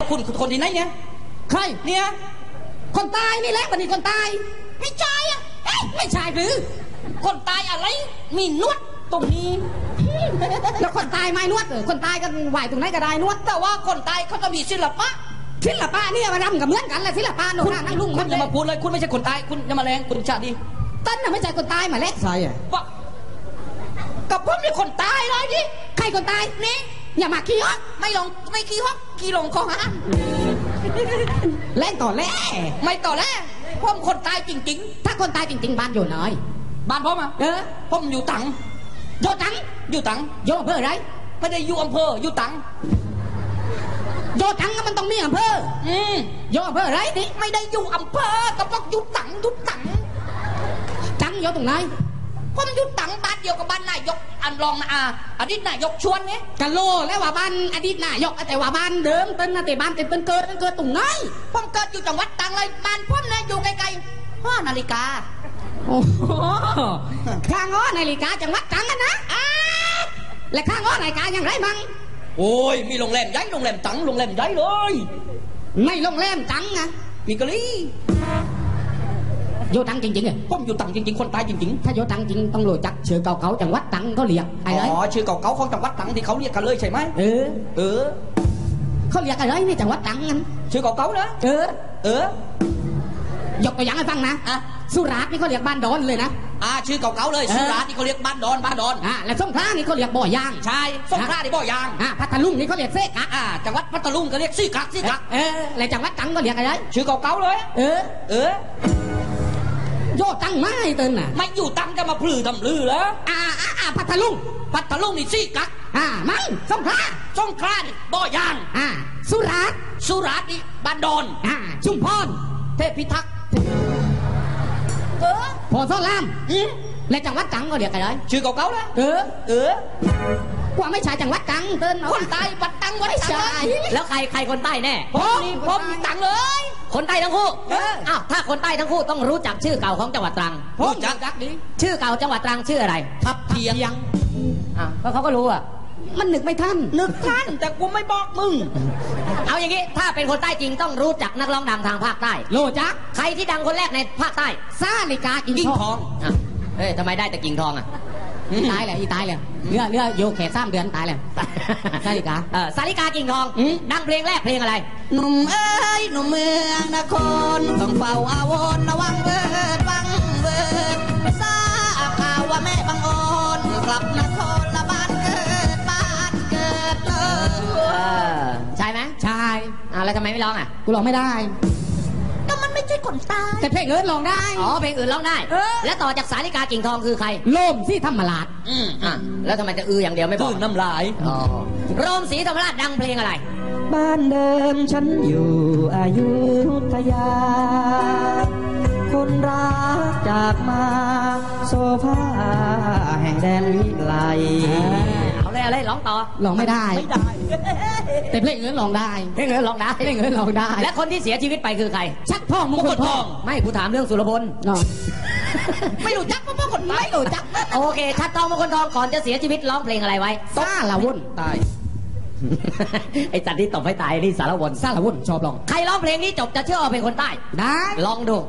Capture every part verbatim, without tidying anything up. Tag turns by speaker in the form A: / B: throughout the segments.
A: คุณคนที่ไหนเนี่ย
B: ใคร
A: เนี่ย
B: คนตายนี่แหละบัณฑิตคนตาย
A: ไม่ใช่อ่ะ
B: ไม่ใช่หรือ
A: คนตายอะไรมีนวดตรงนี้
B: แล้วคนตายไม่นวดเออคนตายกันไหวตรงไหนก็ได้นวด
A: แต่ว่าคนตายเขาจะมีศิลปะ
B: ศิลปะนี่มารำกับเหมือนกันแหละศิลปะโน่นนั่งลุง
A: คุณอย่ามาพูดเลยคุณไม่ใช่คนตายคุณอย่ามาแรงคุณชาดี
B: ต้นน่ะไม่ใช่คนตายมาเล็กใช่
A: ปะกับผมเป็นคนตายเลยดิ
B: ใครคนตาย
A: นี่
B: อย่ามาขี้ฮอก
A: ไม่ลงไม่ขี้ฮอกขี้ลงคอหา
B: แล่นต่อแล่
A: ไม่ต่อแล่ผมคนตายจริง
B: ๆถ้าคนตายจริงๆบ้านอยู่ไหน
A: บ้านผมอ่ะ
B: เออ
A: ผมอยู่ตัง
B: โยตัง
A: อยู่ตัง
B: โยอำเภอไร
A: ไม่ได้อยู่อำเภออยู่ตัง
B: โยตังมันต้องมีอำเภอ
A: อืม
B: โยอำเภอไรนี่
A: ไม่ได้อยู่อำเภอแต่พวกอยู่ตังอยู่ตัง
B: ตังโยตรงไหน
A: ผมอยู่ตังบ้านเดียวกับบ้านนายกอันรองนะอาอดีตนายกชวนไง
B: กะโลแล้วว่าบ้านอดีตนายกแต่ว่าบ้านเดิมต้นนะแต่บ้านเต็มต้นเกิดต้นเกิดตรงไหน
A: ผมเกิดอยู่จังหวัดตังเลยบ้านผมนะอยู่ไกลๆห้านาฬิกา
B: โอ้โหข้างอ้อนาฬิกาจังหวัดตังกันนะและข้างอ้อนาฬิกาอย่างไรมั่ง
A: โอ้ยมีโรงแรมใหญ่โรงแรมตังโรงแรมใหญ่เลย
B: ไม่โรงแรมตังนะ
A: มีกะลี่
B: โยตังจริงๆเหรอ
A: ผมอยู่ตังจริงๆคนตายจริง
B: ๆถ้าโยตังจริงต้องรู้จักชื่อเก่าๆจังหวัดตังก็เรียก
A: อะไรอ๋อชื่อเก่าๆของจังหวัดตังที่เขาเรียกกันเลยใช่ไหม
B: เออ
A: เออ
B: เขาเรียกอะไรในจังหวัดตังนั้น
A: ชื่อเก่าๆนะ
B: เออ
A: เอ
B: อยกตัวอย่างให้ฟังนะ
A: อ่ะ
B: สุราษฎร์นี่เขาเรียกบ้านดอนเลยนะ
A: อ่าชื่อเก่าๆเลยสุราษฎร์นี่เขาเรียกบ้านดอนบ้านดอน
B: อ่าและสงขลานี่เขาเรียกบ่อยาง
A: ใช่สงขลานี่บ่อยาง
B: อ่าพัทลุงนี่เขาเรียกเซกะ
A: อ่าจังหวัดพัทลุงเขาเรียกซี่กักซี่กัก
B: เออและจังหวัดตังก็เรียกอะไร
A: ชื่อเก่าๆเลย
B: เออ
A: เออ
B: โยตังไม่เตินน่ะ
A: ไม่อยู่ตังจะมาพลือทำลือแล้ว
B: อ่าอ่าอ่าพัทลุง
A: พัทลุงนี่ซี่กัก
B: อ่าไม่สงขลา
A: สงขลานี่บ่อยาง
B: อ่าสุราษฎร์
A: สุราษฎร์นี่บ้านดอน
B: อ่าชุมพร
A: เทพพิทักษ์เออ
B: พอซ้อนลามและจังหวัดตังก็เรียกอะไร
A: ชื่อเก่าๆแล้ว
B: เออ
A: เออ
B: ว่าไม่ใช่จังหวัดตังเติน
A: คนใต้บัดตังวัดตัง
C: แล้วใครใครคนใต้แน่
A: ผมนี่ผมตังเลย
C: คนใต้ทั้งคู่อ้าวถ้าคนใต้ทั้งคู่ต้องรู้จักชื่อเก่าของจังหวัดตรัง
A: รู้จักจักดิ
C: ชื่อเก่าจังหวัดตรังชื่ออะไร
A: ทับเทียง
C: อ่ะก็เขาก็รู้อ่ะ
B: มันนึกไม่ทัน
A: นึกทันแต่กูไม่บอกมึง
C: เอาอย่างงี้ถ้าเป็นคนใต้จริงต้องรู้จักนักร้องดังทางภาคใต้
B: โลจัก
C: ใครที่ดังคนแรกในภาคใต้
B: ซาลิกากิ่งทอง
C: อ่ะเฮ้ยทำไมได้แต่กิ่งทองอ่ะ
B: ตายเลยอีตายเลยเนื้อเนื้อโยแขกสามเดือนตายเลยซาลิกา
C: เออซาลิกากิ่งทองดังเพลงแรกเพลงอะไร
A: หนุ่มเอ้ยหนุ่มเมืองนครต้องเฝ้าอาวรระวังเบิดวังเบิดทราบข่าวว่าแม่บังอ่อนกลับนครละบ้านเกิดบ้านเกิดเลย
C: ใช่ไหม
B: ใช่
C: อ่าแล้วทำไมไม่ร้องอ่ะ
B: กูร้องไม่ได้
A: ก็มันไม่ใช่คนตาย
B: แต่เพลงอื่นร้องได้
C: อ๋อเพลงอื่นร้องได้แล้วต่อจากสาลิกากิ่งทองคือใคร
B: โลมศรีธรรมราช
C: อืมอ่ะแล้วทำไมจะอืออย่างเดียวไม่บอก
A: น้ำลาย
C: อ๋อโรมศรีธรรมราชดังเพลงอะไร
D: บ้านเดิมฉันอยู่อยุธยาคนรักจากมาโซฟาแห่งแดนวิไล
C: เอาเลยเอาเลยร้องต่อ
B: ร้องไม่ได้
A: ไม่ได้
B: แต่เพลงอื่นร้องได้
C: เพลงอื่นร้องได้
B: เพลงอื่นร้องได้
C: และคนที่เสียชีวิตไปคือใคร
B: ชักทองมงคลทอง
C: ไม่ผู้ถามเรื่องสุรพล
B: ไม่รู้จักเพราะคนไม่รู้จัก
C: โอเคชักทองมงคลทองก่อนจะเสียชีวิตร้องเพลงอะไรไว้
B: ซาละวุ่น
C: ตายไอ้จันที่ตบให้ตายนี่สารวน
B: ซาละวุ่นชอบร้อง
C: ใครร้องเพลงนี้จบจะเชื่อว่าเป็นคนใต้
B: ได้
C: ลองดู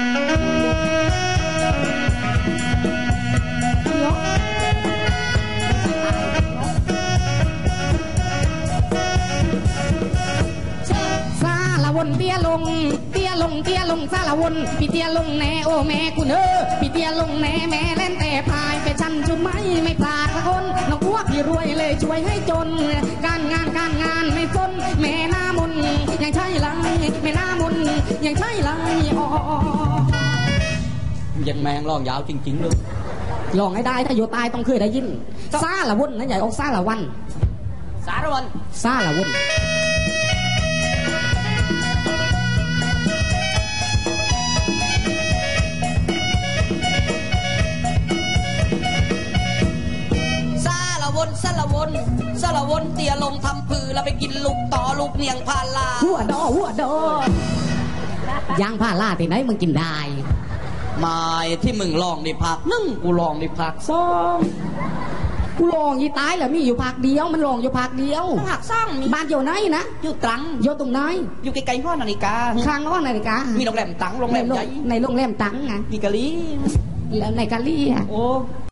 B: วนเตี้ยลงเตี้ยลงเตี้ยลงซาละวนพี่เตี้ยลงแน่โอแม่กูเนอพี่เตี้ยลงแน่แม่เล่นแต่พายไปชันจุดไม่ไม่พลาดละคนน้องอ้วกพี่รวยเลยช่วยให้จนการงานการงานไม่สนแม่หน้ามนยังใช่ไรแม่หน้ามนยังใช่ไรอ๋อ
A: ยังแมงร้องยาวจริงๆเลย
B: ร้องให้ได้ถ้าอยู่ตายต้องเคยได้ยินซาละวนนั่นใหญ่ออกซาละวัน
C: สารวน
B: ซาละวน
A: วนสละวนสละวนเตียลงทำพือแล้วไปกินลูกต่อลูกเนียงพาลา
B: หัวดอหัวดอยางพาลาที่ไหนมึงกินได้
A: ไม่ที่มึงลองในผักนึ่งกูลองในผักสอง
B: กูลองยี่ตายแล้วมีอยู่ภาคเดียวมันลองอยู่ภาคเดียว
A: หักซ่องมี
B: บ้านอยู่ไหนนะ
A: อยู่ตรัง
B: อยู่ตรงไหน
A: อยู่ไกลๆห้อนาฬิกา
B: ข้างห้องนาฬิกา
A: มีโรงแรมตังโรงแรมใหญ่
B: ในโรงแรมตังไง
A: มีกะลี
B: แล้วในกะลี่อ่ะ
A: โอ้